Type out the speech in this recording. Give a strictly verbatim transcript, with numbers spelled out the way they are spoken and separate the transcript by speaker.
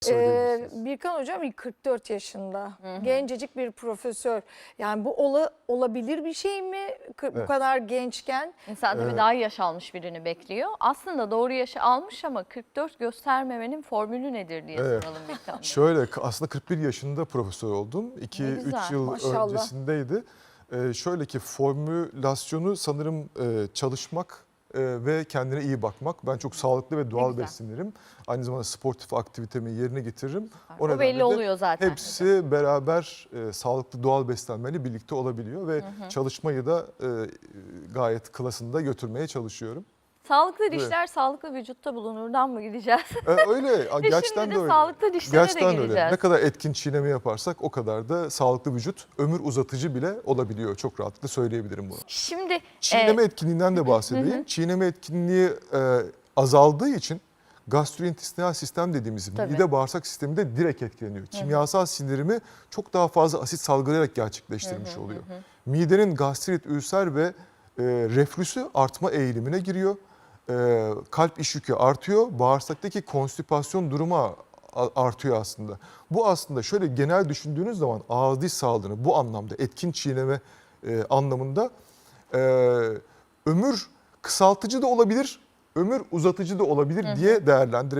Speaker 1: Ee,
Speaker 2: Söyleyebilirsiniz.
Speaker 1: Birkan Hocam kırk dört yaşında.
Speaker 3: Hı hı.
Speaker 1: Gencecik bir profesör. Yani bu ola, olabilir bir şey mi? Kı- Bu
Speaker 2: Evet.
Speaker 1: kadar gençken.
Speaker 3: İnsan tabii
Speaker 2: Ee,
Speaker 3: daha yaş almış birini bekliyor. Aslında doğru yaşı almış ama kırk dört göstermemenin formülü nedir diye
Speaker 2: Evet.
Speaker 3: soralım Birkan Bey.
Speaker 2: Şöyle aslında kırk bir yaşında profesör oldum.
Speaker 3: Ne
Speaker 2: iki
Speaker 3: güzel,
Speaker 2: üç yıl
Speaker 1: maşallah.
Speaker 2: öncesindeydi. Ee, şöyle ki formülasyonu sanırım e, çalışmak e, ve kendine iyi bakmak. Ben çok sağlıklı ve doğal
Speaker 3: güzel.
Speaker 2: beslenirim. Aynı zamanda sportif aktivitemi yerine getiririm.
Speaker 3: O
Speaker 2: nedenle
Speaker 3: belli
Speaker 2: de
Speaker 3: oluyor zaten.
Speaker 2: Hepsi beraber e, sağlıklı doğal beslenmeyle birlikte olabiliyor ve
Speaker 3: Hı hı.
Speaker 2: çalışmayı da e, gayet klasında götürmeye çalışıyorum.
Speaker 3: Sağlıklı dişler sağlıklı vücutta bulunurdan mı gideceğiz?
Speaker 2: E, öyle gerçekten
Speaker 3: Şimdi
Speaker 2: de
Speaker 3: de
Speaker 2: öyle.
Speaker 3: sağlıklı dişlere de
Speaker 2: Gerçekten de öyle.
Speaker 3: gireceğiz.
Speaker 2: Ne kadar etkin çiğneme yaparsak o kadar da sağlıklı vücut ömür uzatıcı bile olabiliyor. Çok rahatlıkla söyleyebilirim bunu.
Speaker 3: Şimdi
Speaker 2: Çiğneme
Speaker 3: e,
Speaker 2: etkinliğinden de bahsedeyim.
Speaker 3: Hı hı.
Speaker 2: Çiğneme etkinliği e, azaldığı için gastrointestinal sistem dediğimiz
Speaker 3: Tabii.
Speaker 2: mide bağırsak sistemi de direkt etkileniyor. Kimyasal sindirimi çok daha fazla asit salgılayarak gerçekleştirmiş oluyor. Midenin gastrit, ülser ve e, reflüsü artma eğilimine giriyor. E, kalp iş yükü artıyor. Bağırsaktaki konstipasyon durumu artıyor aslında. Bu aslında şöyle genel düşündüğünüz zaman ağız diş sağlığını bu anlamda etkin çiğneme e, anlamında e, ömür kısaltıcı da olabilir, ömür uzatıcı da olabilir diye değerlendirebiliriz.